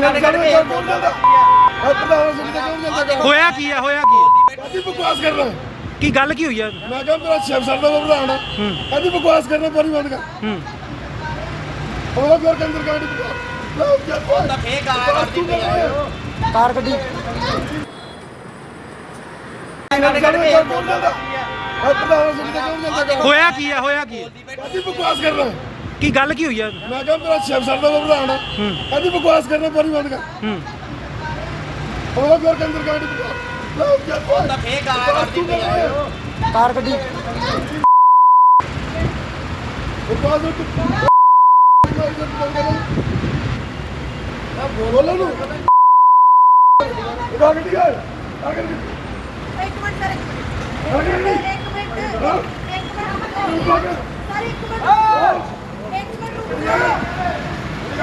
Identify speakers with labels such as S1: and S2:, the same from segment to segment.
S1: ਹੋਇਆ ਕੀ ਹੈ ਹੋਇਆ ਕੀ
S2: ਕਾਦੀ ਬਕਵਾਸ ਕਰ ਰਿਹਾ
S1: ਕੀ ਗੱਲ ਕੀ ਹੋਈ ਹੈ
S2: ਮੈਂ ਕਿਹਾ ਮੇਰਾ ਸ਼ਿਵ ਸਰ ਦਾ ਪ੍ਰਧਾਨ ਹੈ ਕਾਦੀ ਬਕਵਾਸ ਕਰਨਾ ਪਾਣੀ ਬੰਦ ਕਰ ਉਹ ਘਰ ਕੇ ਅੰਦਰ ਗਾੜੀ ਉਹ ਤਾਂ ਫੇਕ
S1: ਕਾਰ ਗੱਡੀ ਹੋਇਆ ਕੀ ਹੈ ਹੋਇਆ ਕੀ
S2: ਕਾਦੀ ਬਕਵਾਸ ਕਰ ਰਿਹਾ
S1: ਕੀ ਗੱਲ ਕੀ ਹੋਈ ਹੈ
S2: ਮੈਂ ਕਿਹਾ ਮੇਰਾ ਸ਼ਿਵ ਸਰ ਦਾ ਪ੍ਰਧਾਨ ਹੈ ਕਾਦੀ ਬਕਵਾਸ ਕਰਨਾ ਪਾਣੀ ਬੰਦ ਕਰ ਉਹ ਘਰ ਕੇ ਅੰਦਰ ਗਾੜੀ ਉਹ ਤਾਂ ਫੇਕ
S1: ਕਾਰ ਗੱਡੀ
S2: ਬੋਲੋ ਨੂੰ ਗੱਡੀ ਆ
S3: एक मिनट सर एक मिनट रुक जाओ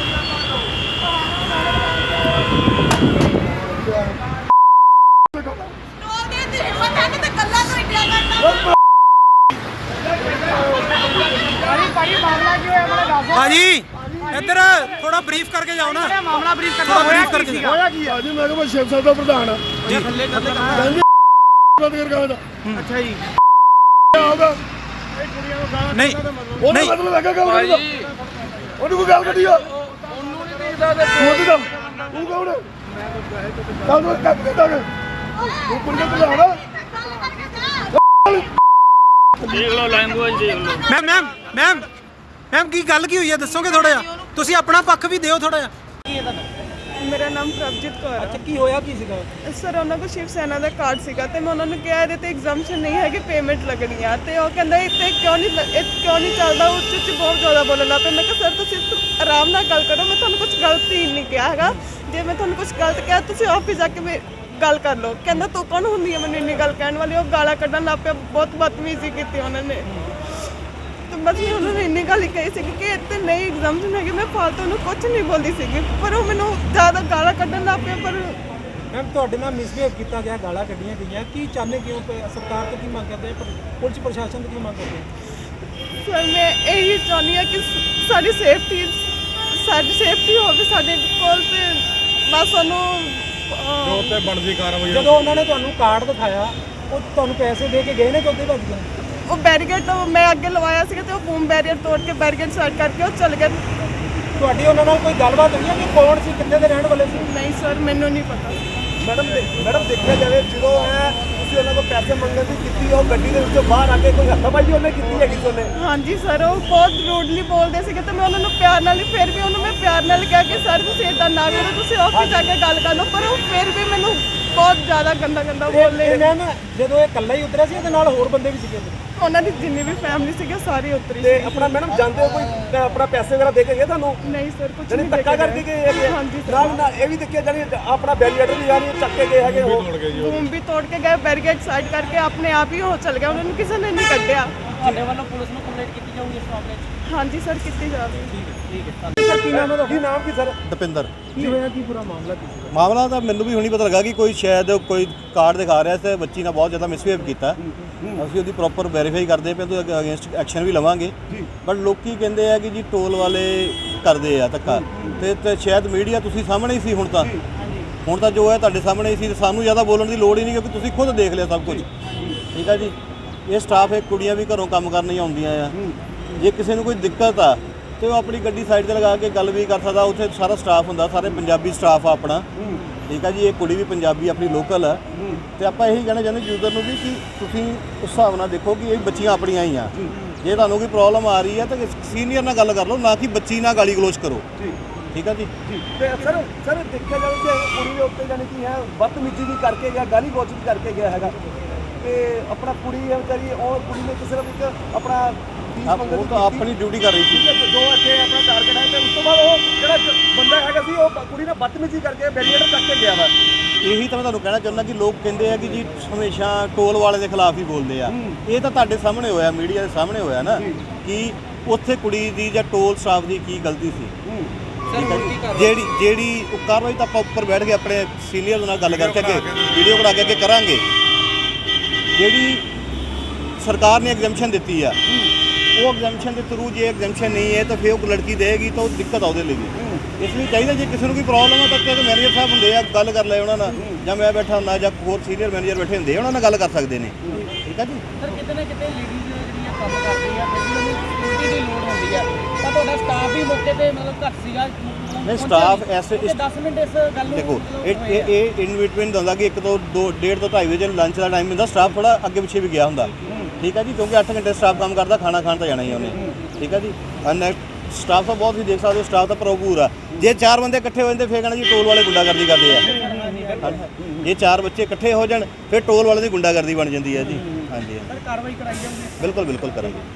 S1: भाजी इधर थोड़ा ब्रीफ करके जाओ ना मामला ब्रीफ करके ब्रीफ करके
S2: ਹੋਇਆ ਕੀ ਆ ਜੀ ਮੈਂ ਕਿਹਾ ਮੈਂ ਸ਼ਿਵ ਸਰ ਦਾ ਪ੍ਰਧਾਨ ਆ
S1: जी
S2: ਬੰਦ ਕਰ ਕਹਾਂ ਦਾ
S1: अच्छा जी
S2: ਆਉਗਾ
S1: नहीं
S2: ਉਹਦਾ
S1: नहीं
S2: ਮਤਲਬ ਲੱਗਾ ਗੱਲ ਕਰਦਾ ਉਹਨੂੰ ਕੋਈ ਗੱਲ ਕੱਢੀ ਆ ਉਹਨੂੰ ਨਹੀਂ ਦੇਖਦਾ ਤੇ ਤੂੰ ਕੌਣ ਹੈ ਕੱਲ ਨੂੰ ਕੱਟ ਕੇ ਦਾਂਗੇ ਤੂੰ ਪੁੰਡੇ ਤੇ ਲਾਣਾ
S4: ਦੇਖ ਲਓ ਲੈਂਗੁਏਜ ਦੇਖ ਲਓ
S1: मैम मैम मैम मैम की गल की हुई है दसोगे थोड़ा जिहा तुसीं अपना पक्ष भी दिओ थोड़ा जिहा
S5: ਮੇਰਾ ਨਾਮ ਪ੍ਰਭਜੀਤ ਕੌਰ ਹੈ।
S1: अच्छा की होया की सीगा
S5: ਸਰ ਉਹਨਾਂ ਕੋਲ ਸ਼ਿਵ ਸੈਨਾ ਦਾ ਕਾਰਡ ਸੀਗਾ ਤੇ ਮੈਂ ਉਹਨਾਂ ਨੂੰ ਕਿਹਾ ਇਹਦੇ ਤੇ ਐਗਜ਼ਾਮਸ਼ਨ ਨਹੀਂ ਹੈ ਕਿ ਪੇਮੈਂਟ ਲੱਗਣੀ ਆ ਤੇ ਉਹ ਕਹਿੰਦਾ ਇੱਥੇ ਕਿਉਂ ਨਹੀਂ ਚੱਲਦਾ ਉੱਚ ਉੱਚ ਬਹੁਤ ਜ਼ਿਆਦਾ ਬੋਲਣ ਲੱਗ ਪਏ। ਮੈਂ ਕਿਹਾ ਸਰ ਤੁਸੀਂ ਆਰਾਮ ਨਾਲ ਗੱਲ ਕਰੋ, ਮੈਂ ਤੁਹਾਨੂੰ ਕੁਝ ਗਲਤ ਹੀ ਨਹੀਂ ਕਿਹਾ ਹੈਗਾ। ਜੇ ਮੈਂ ਤੁਹਾਨੂੰ ਕੁਝ ਗਲਤ ਕਿਹਾ ਤੁਸੀਂ ਆਫਿਸ ਜਾ ਕੇ ਗੱਲ ਕਰ ਲਓ। ਕਹਿੰਦਾ ਤੂੰ ਕੌਣ ਹੁੰਦੀ ਹੈ ਮੈਨੂੰ ਇੰਨੀ ਗੱਲ ਕਹਿਣ ਵਾਲੀ। ਉਹ ਗਾਲਾਂ ਕੱਢਣ ਲੱਗ ਪਿਆ, ਬਹੁਤ ਬਦਤਮੀਜ਼ੀ ਕੀਤੀ ਉਹਨਾਂ ਨੇ। ਬਸ ਮੈਂ ਉਹਨਾਂ ਨੂੰ ਇੰਨੀ ਗੱਲ ਹੀ ਕਹੀ ਸੀ ਕਿ ਇੱਥੇ ਨਹੀਂ ਐਗਜ਼ਾਮਸ਼ਨ ਹੈਗੀ। ਮੈਂ ਫਾਲਤੂ ਨੂੰ ਕੁਝ ਨਹੀਂ ਬੋਲਦੀ ਸੀਗੀ ਪਰ ਉਹ ਮੈਨੂੰ ਜ਼ਿਆਦਾ ਗਾਲਾਂ ਕੱਢਣ ਲੱਗ ਪਿਆ। ਪਰ
S1: मैम ਤੁਹਾਡੇ ਨਾਲ ਮਿਸਬਿਹੇਵ ਕੀਤਾ ਗਿਆ, ਗਾਲਾਂ ਕੱਢੀਆਂ ਗਈਆਂ, ਕੀ ਚਾਹੁੰਦੇ ਕਿਉਂ ਸਰਕਾਰ ਤੋਂ ਕੀ ਮੰਗ ਕਰਦੇ ਆ, ਪੁਲਿਸ ਪ੍ਰਸ਼ਾਸਨ ਤੋਂ ਕੀ ਮੰਗ ਕਰਦੇ ਆ?
S5: ਸਰ ਮੈਂ ਇਹੀ ਚਾਹੁੰਦੀ ਹਾਂ ਕਿ ਸਾਡੀ ਸੇਫਟੀ ਹੋਵੇ ਸਾਡੇ ਕੋਲ ਤੇ ਬਸ ਉਹਨੂੰ
S2: ਤੇ ਬਣਦੀ ਕਾਰਵਾਈ
S1: ਜਦੋਂ ਉਹਨਾਂ ਨੇ ਤੁਹਾਨੂੰ ਕਾਰਡ ਦਿਖਾਇਆ ਉਹ ਤੁਹਾਨੂੰ ਪੈਸੇ ਦੇ ਕੇ ਗਏ ਨੇ ਕਿ ਉੱਥੇ ਭੱਜ ਗਏ?
S5: ਉਹ ਬੈਰੀਕੇਡ ਮੈਂ ਅੱਗੇ ਲਵਾਇਆ ਸੀਗਾ ਤੇ ਉਹ ਬੂਮ ਬੈਰੀਅਰ ਤੋੜ ਕੇ ਬੈਰੀਕੇਡ ਸੈੱਟ ਕਰਕੇ ਉਹ ਚਲ ਗਏ।
S1: ਤੁਹਾਡੀ ਉਹਨਾਂ ਨਾਲ ਕੋਈ ਗੱਲਬਾਤ ਹੋਈ ਹੈ ਕਿ ਕੌਣ ਸੀ, ਕਿੱਥੇ ਦੇ ਰਹਿਣ ਵਾਲੇ ਸੀ?
S5: ਨਹੀਂ ਸਰ ਮੈਨੂੰ ਨਹੀਂ ਪਤਾ।
S6: ਮੈਡਮ ਦੇਖਿਆ ਜਾਵੇ ਜਦੋਂ ਤੁਸੀਂ ਉਹਨਾਂ ਕੋਲ ਪੈਸੇ ਮੰਗਣ ਦੀ ਕੀਤੀ ਉਹ ਗੱਡੀ ਦੇ ਵਿੱਚੋਂ ਬਾਹਰ ਆ ਕੇ ਕੋਈ ਹੱਥਾਪਾਈ ਉਹਨੇ ਕੀਤੀ ਹੈਗੀ ਸੀ ਉਹਨੇ?
S5: ਹਾਂਜੀ ਸਰ ਉਹ ਬਹੁਤ ਰੂਡਲੀ ਬੋਲਦੇ ਸੀਗੇ ਤੇ ਮੈਂ ਉਹਨਾਂ ਨੂੰ ਪਿਆਰ ਨਾਲ ਹੀ ਫਿਰ ਵੀ ਉਹਨੂੰ ਮੈਂ ਪਿਆਰ ਨਾਲ ਕਿਹਾ ਕਿ ਸਰ ਤੁਸੀਂ ਇੱਦਾਂ ਨਾ ਕਰੋ, ਤੁਸੀਂ ਆਫਿਸ ਜਾ ਕੇ ਗੱਲ ਕਰ ਲਓ। ਪਰ ਉਹ ਫਿਰ ਵੀ ਮੈਨੂੰ ਬਹੁਤ ਜ਼ਿਆਦਾ ਗੰਦਾ ਬੋਲੇ।
S1: ਮੈਮ ਜਦੋਂ ਇਹ ਇਕੱਲਾ ਹੀ ਉਤਰਿਆ ਸੀ ਇਹਦੇ ਨਾਲ ਹੋਰ ਬੰਦੇ ਵੀ ਸੀਗੇ?
S5: ਉਹਨਾਂ ਦੀ ਜਿੰਨੀ ਵੀ ਫੈਮਿਲੀ ਸੀਗੀ ਸਾਰੀ ਉਤਰੀ
S6: ਤੇ
S5: ਸੀ।
S6: ਆਪਣਾ ਮੈਡਮ ਜਾਂਦੇ ਹੋ ਕੋਈ ਆਪਣਾ ਪੈਸੇ ਵਗੈਰਾ ਦੇ ਕੇ ਗਏ ਤੁਹਾਨੂੰ?
S5: ਨਹੀਂ ਸਰ ਕੁਝ
S6: ਜਾਨੀ
S5: ਨਹੀਂ
S6: ਧੱਕਾ ਕਰਕੇ ਗਏ ਹੈਗੇ?
S5: ਹਾਂਜੀ ਸਰ।
S6: ਨਾਲ ਨਾ ਇਹ ਵੀ ਦੇਖਿਆ ਜਾਨੀ ਆਪਣਾ ਬੈਰੀਅਰ ਵੀ ਯਾਨੀ ਚੱਕ ਕੇ ਗਏ ਹੈਗੇ ਉਹ
S5: ਬੂਮ ਵੀ ਤੋੜ ਕੇ ਗਏ, ਬੈਰੀਕੇਡ ਸਾਈਡ ਕਰਕੇ ਆਪਣੇ ਆਪ ਹੀ ਉਹ ਚਲ ਗਿਆ, ਉਹਨਾਂ ਨੂੰ ਕਿਸੇ ਨੇ ਨਹੀਂ ਕੱਢਿਆ।
S4: ਤੁਹਾਡੇ ਵੱਲੋਂ ਪੁਲਿਸ ਨੂੰ ਕੰਪਲੇਂਟ ਕੀਤੀ ਜਾਊਗੀ ਇਸ ਮਾਮਲੇ 'ਚ?
S5: ਹਾਂਜੀ ਸਰ ਕੀਤੀ ਜਾਵੇ।
S1: ਸਰ ਕੀ ਨਾਮ ਹੈ ਤੁਹਾਡਾ?
S6: ਕੀ ਨਾਮ ਕੀ ਸਰ?
S7: ਦਪਿੰਦਰ।
S1: ਕੀ ਹੋਇਆ ਕੀ ਪੂਰਾ ਮਾਮਲਾ ਕੀ ਸੀ?
S7: ਮਾਮਲਾ ਤਾਂ ਮੈਨੂੰ ਵੀ ਹੁਣੀ ਪਤਾ ਲੱਗਾ ਕਿ ਕੋਈ ਸ਼ਾਇਦ ਕੋਈ ਕਾਰਡ ਦਿਖਾ ਰਿਹਾ ਤੇ ਬੱਚੀ ਨਾਲ ਬਹੁਤ ਜ਼ਿਆਦਾ ਮਿਸਬਿਹੇਵ ਕੀਤਾ। ਅਸੀਂ ਉਹਦੀ ਪ੍ਰੋਪਰ ਵੈਰੀਫਾਈ ਕਰਦੇ ਪਏ ਤੇ ਅਗੇਂਸਟ ਐਕਸ਼ਨ ਵੀ ਲਵਾਂਗੇ। ਬਟ ਲੋਕੀ ਕਹਿੰਦੇ ਆ ਕਿ ਜੀ ਟੋਲ ਵਾਲੇ ਕਰਦੇ ਆ ਧੱਕਾ ਤੇ ਸ਼ਾਇਦ ਮੀਡੀਆ ਤੁਸੀਂ ਸਾਹਮਣੇ ਹੀ ਸੀ। ਹੁਣ ਤਾਂ ਜੋ ਹੈ ਤੁਹਾਡੇ ਸਾਹਮਣੇ ਹੀ ਸੀ। ਸਾਨੂੰ ਜ਼ਿਆਦਾ ਬੋਲਣ ਦੀ ਲੋੜ ਹੀ ਨਹੀਂ ਕਿਉਂਕਿ ਤੁਸੀਂ ਖੁਦ ਦੇਖ ਲਿਆ ਸਭ ਕੁਝ। ਠੀਕ ਆ ਜੀ। ਇਹ ਸਟਾਫ ਹੈ, ਕੁੜੀਆਂ ਵੀ ਘਰੋਂ ਕੰਮ ਕਰਨ ਹੀ ਆਉਂਦੀਆਂ ਆ। ਜੇ ਕਿਸੇ ਨੂੰ ਕੋਈ ਦਿੱਕਤ ਆ ਤੇ ਉਹ ਆਪਣੀ ਗੱਡੀ ਸਾਈਡ ਤੇ ਲਗਾ ਕੇ ਗੱਲ ਵੀ ਕਰ ਸਕਦਾ। ਉੱਥੇ ਸਾਰਾ ਸਟਾਫ ਹੁੰਦਾ, ਸਾਰੇ ਪੰਜਾਬੀ ਸਟਾਫ ਆ ਆਪਣਾ। ਠੀਕ ਆ ਜੀ। ਇਹ ਕੁੜੀ ਵੀ ਪੰਜਾਬੀ ਆਪਣੀ ਲੋਕਲ ਆ ਤੇ ਆਪਾਂ ਇਹੀ ਕਹਿਣਾ ਚਾਹੁੰਦੇ ਯੂਜ਼ਰ ਨੂੰ ਵੀ ਕਿ ਤੁਸੀਂ ਉਸ ਹਿਸਾਬ ਨਾਲ ਦੇਖੋ ਕਿ ਇਹ ਬੱਚੀਆਂ ਆਪਣੀਆਂ ਹੀ ਆ। ਜੇ ਤੁਹਾਨੂੰ ਕੋਈ ਪ੍ਰੋਬਲਮ ਆ ਰਹੀ ਹੈ ਤਾਂ ਸੀਨੀਅਰ ਨਾਲ ਗੱਲ ਕਰ ਲਓ, ਨਾ ਕਿ ਬੱਚੀ ਨਾਲ ਗਾਲੀ ਗਲੋਚ ਕਰੋ। ਠੀਕ ਆ ਜੀ।
S6: ਤੇ ਸਰ ਦੇਖਿਆ ਜਾਵੇ ਕਿ ਕੁੜੀ ਦੇ ਉੱਤੇ ਜਾਨੀ ਕੀ ਹੈ ਬਦਤਮੀਜ਼ੀ ਵੀ ਕਰਕੇ ਗਿਆ, ਗਾਲੀ ਗਲੋਚ ਵੀ ਕਰਕੇ ਗਿਆ ਹੈਗਾ ਤੇ ਆਪਣਾ ਕੁੜੀ ਹੈ ਵਿਚਾਰੀ ਉਹ ਕੁੜੀ ਨੇ ਕਿਸੇ ਨੂੰ ਇੱਕ ਆਪਣਾ
S7: ਉਹ ਤਾਂ ਆਪਣੀ ਡਿਊਟੀ ਕਰ ਰਹੀ ਸੀ।
S6: ਜੋ ਇੱਥੇ ਆਪਣਾ ਟਾਰਗੇਟ ਹੈ ਤੇ ਉਸ ਤੋਂ ਬਾਅਦ ਉਹ ਜਿਹੜਾ ਬੰਦਾ ਹੈਗਾ ਸੀ ਉਹ ਕੁੜੀ ਨਾਲ ਬਦਤਮੀਜ਼ੀ ਕਰਕੇ ਬੈਰੀਅਰ ਚੱਕ ਕੇ ਗਿਆ ਵਾ।
S7: ਇਹੀ ਤਾਂ ਮੈਂ ਤੁਹਾਨੂੰ ਕਹਿਣਾ ਚਾਹੁੰਦਾ ਕਿ ਲੋਕ ਕਹਿੰਦੇ ਆ ਕਿ ਜੀ ਹਮੇਸ਼ਾ ਟੋਲ ਵਾਲੇ ਦੇ ਖਿਲਾਫ ਹੀ ਬੋਲਦੇ ਆ। ਇਹ ਤਾਂ ਤੁਹਾਡੇ ਸਾਹਮਣੇ ਹੋਇਆ, ਮੀਡੀਆ ਦੇ ਸਾਹਮਣੇ ਹੋਇਆ ਨਾ ਕਿ ਉੱਥੇ ਕੁੜੀ ਦੀ ਜਾਂ ਟੋਲ ਸਟਾਫ ਦੀ ਕੀ ਗਲਤੀ ਸੀ। ਜਿਹੜੀ ਉਹ ਕਾਰਵਾਈ ਤਾਂ ਆਪਾਂ ਉੱਪਰ ਬੈਠ ਕੇ ਆਪਣੇ ਸੀਨੀਅਰ ਨਾਲ ਗੱਲ ਕਰਕੇ ਅੱਗੇ ਵੀਡੀਓ ਬਣਾ ਕੇ ਅੱਗੇ ਕਰਾਂਗੇ। ਜਿਹੜੀ ਸਰਕਾਰ ਨੇ ਐਗਜ਼ੈਂਪਸ਼ਨ ਦਿੱਤੀ ਆ ਉਹ ਐਗਜ਼ੈਂਪਸ਼ਨ ਦੇ ਥਰੂ ਜੇ ਐਗਜ਼ੈਂਪਸ਼ਨ ਨਹੀਂ ਹੈ ਤਾਂ ਫਿਰ ਉਹ ਲੜਕੀ ਦੇਗੀ ਤਾਂ ਉਹ ਦਿੱਕਤ ਆ ਉਹਦੇ ਲਈ ਵੀ। ਇਸ ਲਈ ਚਾਹੀਦਾ ਜੇ ਕਿਸੇ ਨੂੰ ਕੋਈ ਪ੍ਰੋਬਲਮ ਆ ਤਾਂ ਮੈਨੇਜਰ ਸਾਹਿਬ ਹੁੰਦੇ ਆ, ਗੱਲ ਕਰ ਲੈ ਉਹਨਾਂ ਨਾਲ, ਜਾਂ ਮੈਂ ਬੈਠਾ ਹੁੰਦਾ ਜਾਂ ਹੋਰ ਸੀਨੀਅਰ ਮੈਨੇਜਰ ਬੈਠੇ ਹੁੰਦੇ ਆ, ਉਹਨਾਂ ਨਾਲ ਗੱਲ ਕਰ ਸਕਦੇ ਨੇ। ਠੀਕ ਆ ਜੀ।
S4: ਸਰ ਕਿਤੇ ਨਾ ਕਿਤੇ ਲੇਡੀਜ਼ ਜਿਹੜੀਆਂ ਕੰਮ ਕਰਦੀ ਆ ਫਿਰ ਵੀ ਉਹਨੂੰ ਸਿਕਿਉਰਿਟੀ ਦੀ ਲੋੜ ਹੁੰਦੀ ਆ, ਤਾਂ ਤੁਹਾਡਾ ਸਟਾਫ ਵੀ ਮੌਕੇ ਤੇ ਮਤਲਬ ਘੱਟ ਸੀਗਾ?
S7: ਨਹੀਂ ਸਟਾਫ ਐਸੇ
S4: 10 ਮਿੰਟ ਇਸ ਗੱਲ ਨੂੰ
S7: ਦੇਖੋ ਇਹ ਇਨ ਬਿਟਵੀਨ ਹੁੰਦਾ ਕਿ 1 ਤੋਂ 2 1.5 ਤੋਂ 2.5 ਵਜੇ ਲੰਚ ਦਾ ਟਾਈਮ ਹੁੰਦਾ, ਸਟਾਫ ਥੋੜਾ ਅੱਗੇ ਪਿੱਛੇ ਵੀ ਗਿਆ ਹੁੰਦਾ। ਠੀਕ ਹੈ ਜੀ, ਕਿਉਂਕਿ 8 ਘੰਟੇ ਸਟਾਫ ਕੰਮ ਕਰਦਾ, ਖਾਣਾ ਖਾਣ ਤਾਂ ਜਾਣਾ ਹੀ ਉਹਨੇ। ਠੀਕ ਹੈ ਜੀ। ਸਟਾਫ ਤਾਂ ਬਹੁਤ ਹੀ ਦੇਖ ਸਕਦੇ ਹੋ, ਸਟਾਫ ਤਾਂ ਭਰਪੂਰ ਆ। ਜੇ 4 ਬੰਦੇ ਇਕੱਠੇ ਹੋ ਜਾਂਦੇ ਫਿਰ ਕਹਿਣਾ ਜੀ ਟੋਲ ਵਾਲੇ ਗੁੰਡਾਗਰਦੀ ਕਰਦੇ ਆ। ਜੇ 4 ਬੱਚੇ ਇਕੱਠੇ ਹੋ ਜਾਣ ਫਿਰ ਟੋਲ ਵਾਲੇ ਦੀ ਗੁੰਡਾਗਰਦੀ ਬਣ ਜਾਂਦੀ ਹੈ ਜੀ। ਹਾਂਜੀ
S4: ਸਰ ਕਾਰਵਾਈ ਕਰਾਈ ਜਾਊਗੀ?
S7: ਬਿਲਕੁਲ ਬਿਲਕੁਲ ਕਰਾਂਗੇ।